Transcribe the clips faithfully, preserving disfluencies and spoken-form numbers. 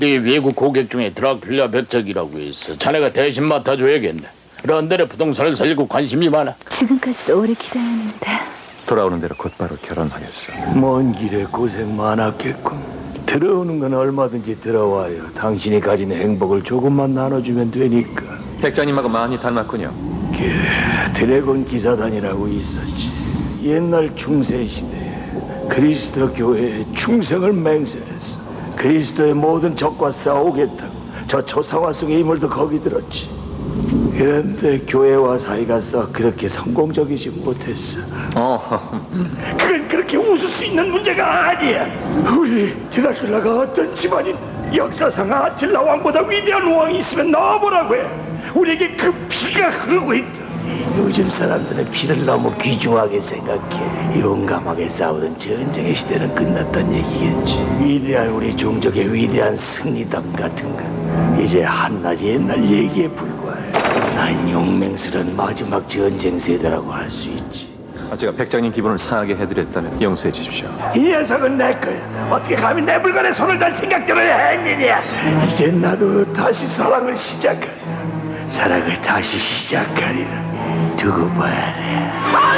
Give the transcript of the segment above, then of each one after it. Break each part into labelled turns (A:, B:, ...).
A: 네 외국 고객 중에 드라큘라 백작이라고 있어. 자네가 대신 맡아줘야겠네. 런던에 부동산을 살리고 관심이 많아.
B: 지금까지도 오래 기다렸는데.
C: 돌아오는 대로 곧바로 결혼하겠어.
D: 먼 길에 고생 많았겠군. 들어오는 건 얼마든지 들어와요. 당신이 가진 행복을 조금만 나눠주면 되니까.
C: 백장님하고 많이 닮았군요.
D: 그 드래곤 기사단이라고 있었지. 옛날 중세시대에 그리스도 교회에 충성을 맹세했어. 그리스도의 모든 적과 싸우겠다고. 저 초상화 속의 인물도 거기 들었지. 그런데 교회와 사이가 썩 그렇게 성공적이지 못했어.
C: 어,
D: 그건 그렇게 웃을 수 있는 문제가 아니야. 우리 드라큘라가 어떤 집안인 역사상 아틸라 왕보다 위대한 왕이 있으면 나와보라고 해. 우리에게 그 피가 흐르고 있다. 요즘 사람들은 피를 너무 귀중하게 생각해. 용감하게 싸우던 전쟁의 시대는 끝났단 얘기겠지. 위대한 우리 종족의 위대한 승리담 같은 건 이제 한낮 옛날 얘기에 불과해. 난 용맹스러운 마지막 전쟁 세대라고 할 수 있지.
C: 제가 백장님 기분을 상하게 해드렸다면 용서해 주십시오.
D: 이 녀석은 내 거야. 어떻게 감히 내 물건에 손을 댈 생각들을 했느냐. 이제 나도 다시 사랑을 시작하리라. 사랑을 다시 시작하리라. 두고 봐야 해.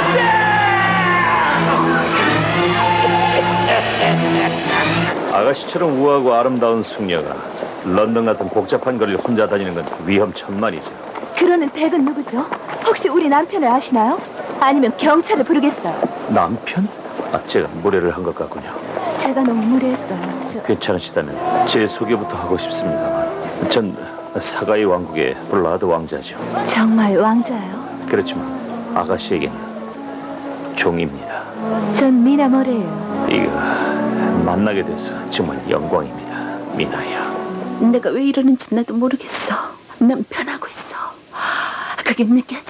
A: 아가씨처럼 우아하고 아름다운 숙녀가 런던 같은 복잡한 거리를 혼자 다니는 건 위험천만이죠.
B: 그러는 댁은 누구죠? 혹시 우리 남편을 아시나요? 아니면 경찰을 부르겠어요.
A: 남편? 아, 제가 무례를 한 것 같군요.
B: 제가 너무 무례했어요. 저...
A: 괜찮으시다면 제 소개부터 하고 싶습니다만, 전 사가의 왕국의 블라드 왕자죠.
B: 정말 왕자예요?
A: 그렇지만 아가씨에겐 종입니다.
B: 전 미나 모레예요.
A: 이거 만나게 돼서 정말 영광입니다, 미나야.
B: 내가 왜 이러는지 나도 모르겠어. 난 변하고 있어. 그게 느껴져.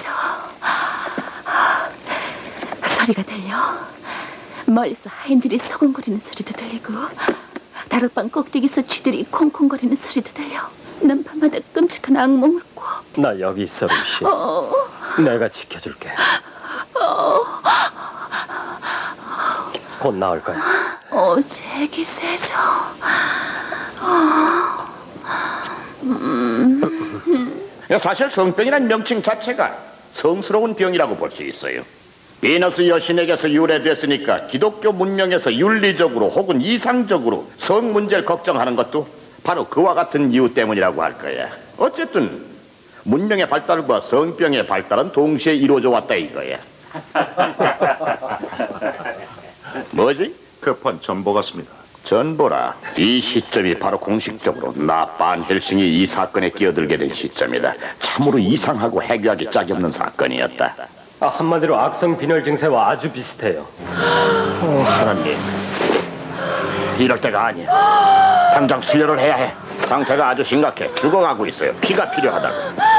B: 소리가 들려. 멀리서 하인들이 서근거리는 소리도 들리고, 다락방 꼭대기에서 쥐들이 콩콩거리는 소리도 들려. 난 밤마다 끔찍한 악몽을 꿔.
A: 나 여기 있어, 루시.
B: 어...
A: 내가 지켜줄게.
B: 어...
A: 곧 나올 거야.
B: 어, 제기 세죠. 어... 음...
A: 사실 성병이란 명칭 자체가 성스러운 병이라고 볼 수 있어요. 비너스 여신에게서 유래됐으니까 기독교 문명에서 윤리적으로 혹은 이상적으로 성 문제를 걱정하는 것도 바로 그와 같은 이유 때문이라고 할 거야. 어쨌든 문명의 발달과 성병의 발달은 동시에 이루어져 왔다 이거야. 뭐지?
C: 급한 전보 같습니다.
A: 전보라. 이 시점이 바로 공식적으로 나 반헬싱이 이 사건에 끼어들게 된 시점이다. 참으로 이상하고 해괴하기 짝이 없는 사건이었다.
E: 아, 한마디로 악성 빈혈 증세와 아주 비슷해요.
A: 어, 하나님, 이럴 때가 아니야. 당장 수혈을 해야 해. 상태가 아주 심각해. 죽어가고 있어요. 피가 필요하다고.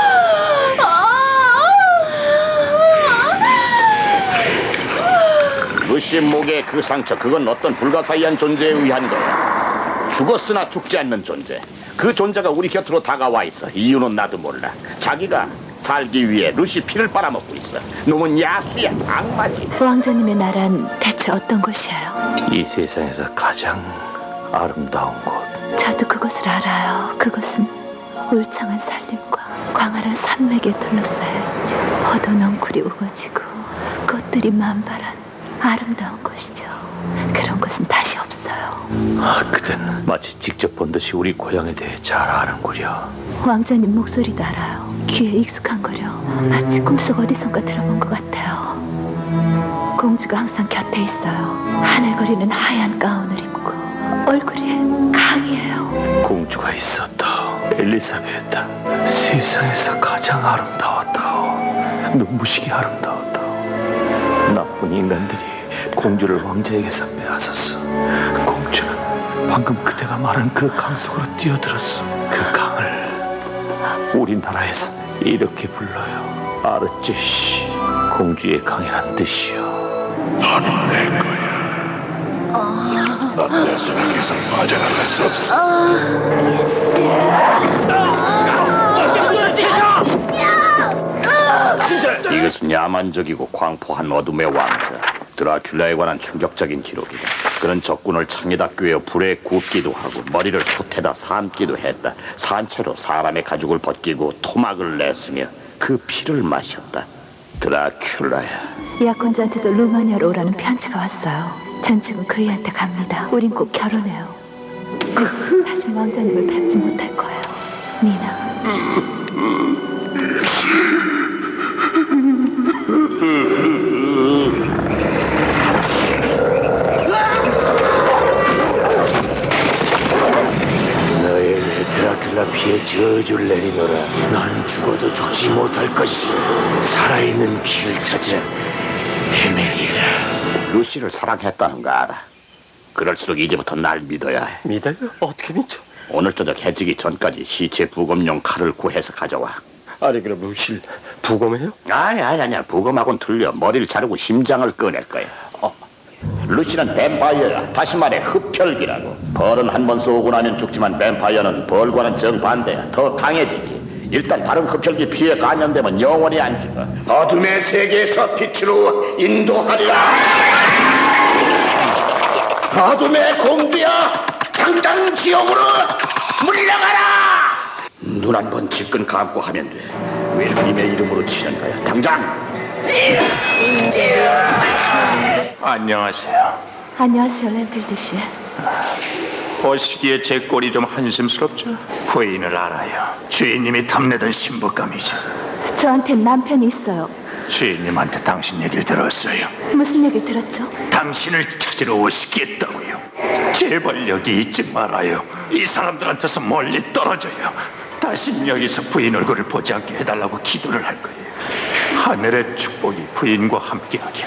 A: 루시 목의 그 상처, 그건 어떤 불가사의한 존재에 의한 거야. 죽었으나 죽지 않는 존재. 그 존재가 우리 곁으로 다가와 있어. 이유는 나도 몰라. 자기가 살기 위해 루시 피를 빨아먹고 있어. 놈은 야수야, 악마지.
B: 왕자님의 나라는 대체 어떤 곳이에요?
A: 이 세상에서 가장 아름다운 곳.
B: 저도 그곳을 알아요. 그곳은 울창한 산림과 광활한 산맥에 둘러싸여 있죠. 포도 넝쿨이 우거지고 꽃들이 만발한 아름다운 곳이죠. 그런 곳은 다시 없어요.
A: 아, 그댄 마치 직접 본 듯이 우리 고향에 대해 잘 아는구려.
B: 왕자님 목소리도 알아요. 귀에 익숙한거려. 마치 꿈속 어디선가 들어본 것 같아요. 공주가 항상 곁에 있어요. 하늘거리는 하얀 가운을 입고 얼굴이 강이에요.
A: 공주가 있었다. 엘리사베타. 세상에서 가장 아름다웠다. 눈부시게 아름다웠다. 나쁜 인간들이 공주를 왕자에게서 빼앗았어. 공주는 방금 그대가 말한 그 강 속으로 뛰어들었어. 그 강을 우리나라에서 이렇게 불러요. 아르제시. 공주의 강이란 뜻이요. 너는 내 거야. 넌 내 속에서 빠져나갈 수 없어. 이것은 야만적이고 광포한 어둠의 왕자. 드라큘라에 관한 충격적인 기록이다. 그는 적군을 창에다 꿰어 불에 굽기도 하고 머리를 솥에다 삶기도 했다. 산채로 사람의 가죽을 벗기고 토막을 냈으며 그 피를 마셨다. 드라큘라야.
B: 약혼자한테도 루마니아로 오라는 편지가 왔어요. 전 지금 그이한테 갑니다. 우린 꼭 결혼해요. 다시 왕자님을 뵙지 못할 거예요. 미나.
D: 너에게 드라큘라 피에 저주를 내리노라. 난 죽어도 죽지 못할 것이오. 살아있는 피를 찾아 헤매리라.
A: 루시를 사랑했다는 거 알아. 그럴수록 이제부터 날 믿어야 해.
E: 믿어요? 어떻게 믿죠?
A: 오늘 저녁 해지기 전까지 시체 부검용 칼을 구해서 가져와.
E: 아니 그럼 루시를 부검해요?
A: 아니 아니 아니야. 부검하고는 틀려. 머리를 자르고 심장을 꺼낼 거야.
E: 어.
A: 루시는 뱀파이어야. 다시 말해 흡혈귀라고. 벌은 한 번 쏘고 나면 죽지만 뱀파이어는 벌과는 정반대야. 더 강해지지. 일단 다른 흡혈귀 피에 감염되면 영원히 안 죽어.
D: 어둠의 세계에서 빛으로 인도하리라. 어둠의 공주여, 당장 지옥으로 물러가라.
A: 눈 한 번 질끈 감고 하면 돼. 주님의 이름으로 치는 거야. 당장.
C: 안녕하세요.
B: 안녕하세요, 램필드 씨.
C: 보시기에 제 꼴이 좀 한심스럽죠?
D: 부인을 알아요. 주인님이 탐내던 신부감이죠.
B: 저한테 남편이 있어요.
D: 주인님한테 당신 얘기를 들었어요.
B: 무슨 얘기 들었죠?
D: 당신을 찾으러 오시겠다고요. 제발 여기 있지 말아요. 이 사람들한테서 멀리 떨어져요. 다신 여기서 부인 얼굴을 보지 않게 해달라고 기도를 할 거예요. 하늘의 축복이 부인과 함께하길.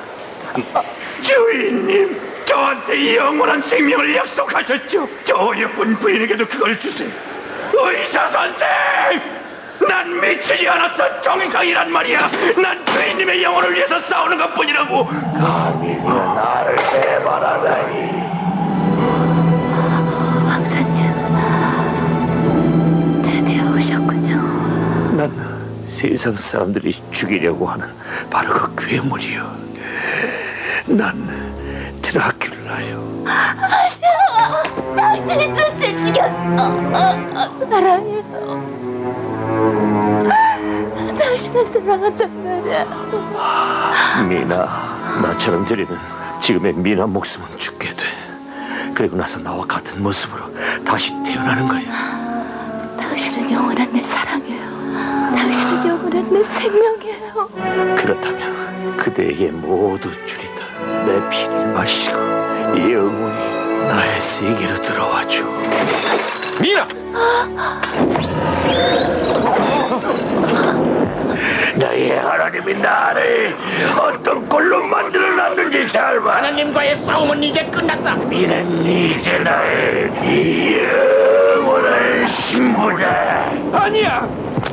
D: 주인님, 저한테 영원한 생명을 약속하셨죠. 저 어여쁜 부인에게도 그걸 주세요. 의사 선생! 난 미치지 않았어. 정상이란 말이야. 난 주인님의 영혼을 위해서 싸우는 것뿐이라고. 감히 나를 해바라다니.
B: 왕자님, 드디어 오셨군요.
D: 난 세상 사람들이 죽이려고 하는 바로 그 괴물이요. 난 드라큘라요.
B: 아니야, 당신이 눈을 죽였어. 사랑해요. 당신을 사랑한단 말이야.
D: 미나, 나처럼 들이는 지금의 미나 목숨은 죽게 돼. 그리고 나서 나와 같은 모습으로 다시 태어나는 거야.
B: 당신은 영원한 내 사랑이에요. 당신은 영원한 내 생명이에요.
D: 그렇다면 그대에게 모두 주리다. 내 피를 마시고 영원히 나의 세계로 들어와줘.
C: 미나!
D: 나의 하나님이 나를 어떤 꼴로 만들어놨는지 잘 봐.
A: 하나님과의 싸움은 이제 끝났다.
D: 미는 이제 나의 영원한 신부다. 아니야.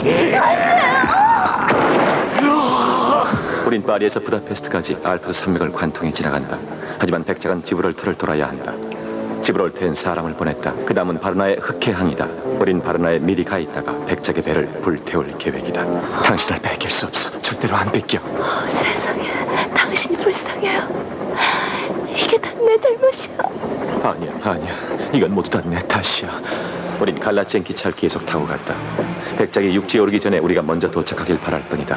C: 우린 파리에서 부다페스트까지 알프스 산맥을 관통해 지나간다. 하지만 백작은 지브롤터를 돌아야 한다. 지브롤터엔 사람을 보냈다. 그 다음은 바르나의 흑해항이다. 우린 바르나에 미리 가 있다가 백작의 배를 불태울 계획이다. 당신을 뺏길 수 없어. 절대로 안 뺏겨.
B: 어, 세상에, 당신이 불쌍해요. 이게 다 내 잘못이야.
C: 아니야, 아니야. 이건 모두 다 내 탓이야. 우린 갈라치엔 기차를 계속 타고 갔다. 백작이 육지에 오르기 전에 우리가 먼저 도착하길 바랄 뿐이다.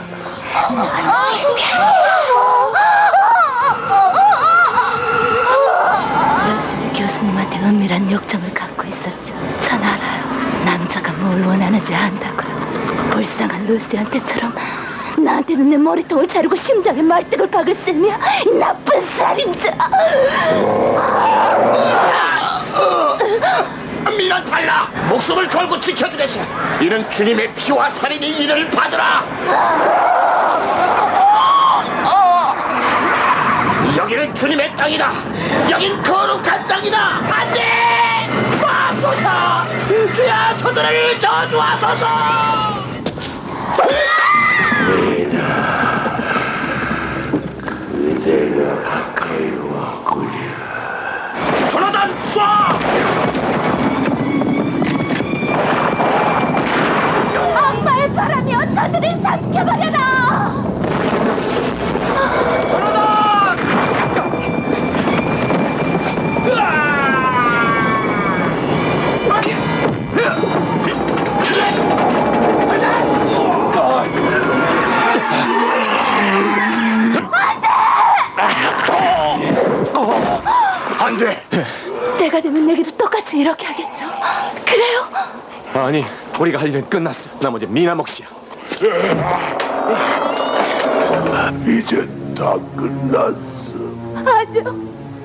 B: 러스리 교수님한테 은밀한 욕정을 갖고 있었죠. 전 알아요. 남자가 뭘 원하는지 안다고요. 불쌍한 루시한테처럼 나한테는 내 머리통을 자르고 심장에 말뚝을 박을 셈이야. 이 나쁜 살인자.
A: 미란 달라. 목숨을 걸고 지켜주겠어. 이는 주님의 피와 살인이 이를 받으라. 여기는 주님의 땅이다. 여긴 거룩한 땅이다. 안돼. 마소사. 주야, 저들을 저주하소서.
D: 그대가 가까이 왔구려.
A: 조나단 쏴.
B: 악마의 바람이여, 저들을 삼켜버려라.
A: 조나단.
B: 때가 되면 내게도 똑같이 이렇게 하겠죠. 그래요?
C: 아니, 우리가 할 일은 끝났어. 나머지 미나 몫이야.
D: 이제 다 끝났어.
B: 아니요.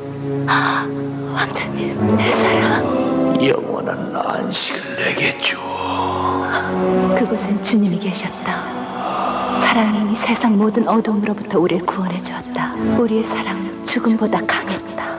B: 왕자님, 내 사랑.
D: 영원한 안식을 내게 줘.
B: 그곳엔 주님이 계셨다. 사랑이 세상 모든 어두움으로부터 우리를 구원해 주었다. 우리의 사랑은 죽음보다 강했다.